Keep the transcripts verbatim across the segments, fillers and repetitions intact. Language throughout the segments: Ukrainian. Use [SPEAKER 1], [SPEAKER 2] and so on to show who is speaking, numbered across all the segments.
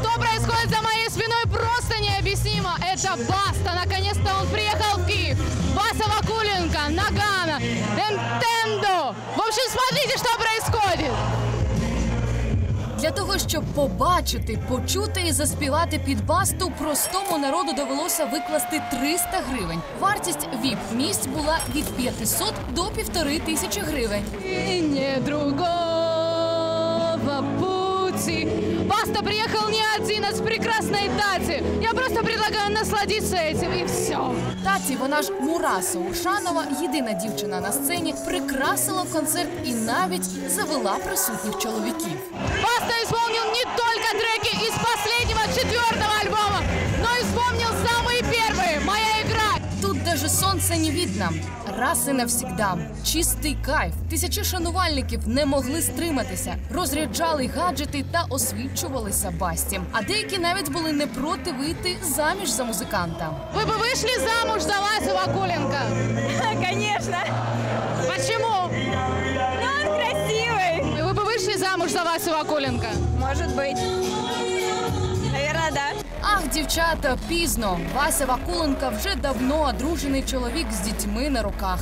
[SPEAKER 1] Что происходит за моей спиной, просто необъяснимо. Это Баста. Наконец-то он приехал в Киев. Вася Вакуленко, Нагано, Nintendo. В общем, смотрите, что происходит.
[SPEAKER 2] Для того, щоб побачити, почути і заспівати під Басту, простому народу довелося викласти триста гривень. Вартість віп-місць була від п'ятисот до півтори тисячі гривень.
[SPEAKER 1] И не другого пути. Баста приехал не один, а с прекрасной Тати. Я просто предлагаю насладиться этим, и все.
[SPEAKER 2] Таті, вона ж Мураса Ушанова, єдина дівчина на сцені, прикрасила концерт і навіть завела присутніх чоловіків.
[SPEAKER 1] Баста исполнил не только треки из последнего четвертого альбома, но и вспомнил самые первые «Моя игра».
[SPEAKER 2] Тут даже сонце не видно. Раз і навсігда. Чистий кайф. Тисячі шанувальників не могли стриматися. Розряджали гаджети та освічувалися Басті. А деякі навіть були не проти вийти заміж за музиканта.
[SPEAKER 1] Вы бы вышли замуж за Васю Вакуленко?
[SPEAKER 3] Конечно.
[SPEAKER 1] Почему?
[SPEAKER 3] Но он красивый.
[SPEAKER 1] Вы бы вышли замуж за Васю Вакуленко?
[SPEAKER 3] Может быть. Наверное, да.
[SPEAKER 2] Ах, дівчата, пізно. Вася Вакуленко вже давно одружений чоловік з дітьми на руках.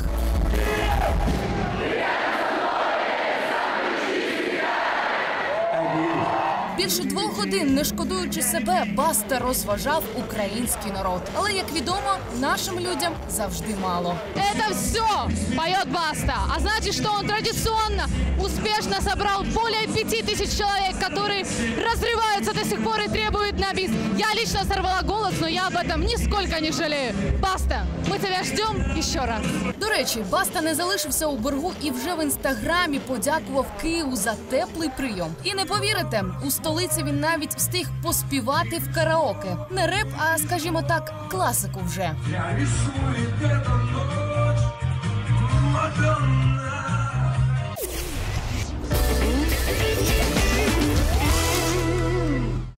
[SPEAKER 2] Більше двох годин, не шкодуючи себе, Баста розважав український народ. Але, як відомо, нашим людям завжди мало.
[SPEAKER 1] Это все поет Баста. А значит, что он традиционно успешно собрал более пяти тысяч человек, которые разрываются до сих пор и требуют на бис. Я лично сорвала голос, но я об этом нисколько не жалею. Баста, мы тебя ждем еще раз.
[SPEAKER 2] До речі, Баста не залишився у боргу і вже в інстаграмі подякував Києву за теплий прийом. І не повірите, у столиці він навіть встиг поспівати в караоке. Не реп, а, скажімо так, класику вже.
[SPEAKER 4] Я рисую где-то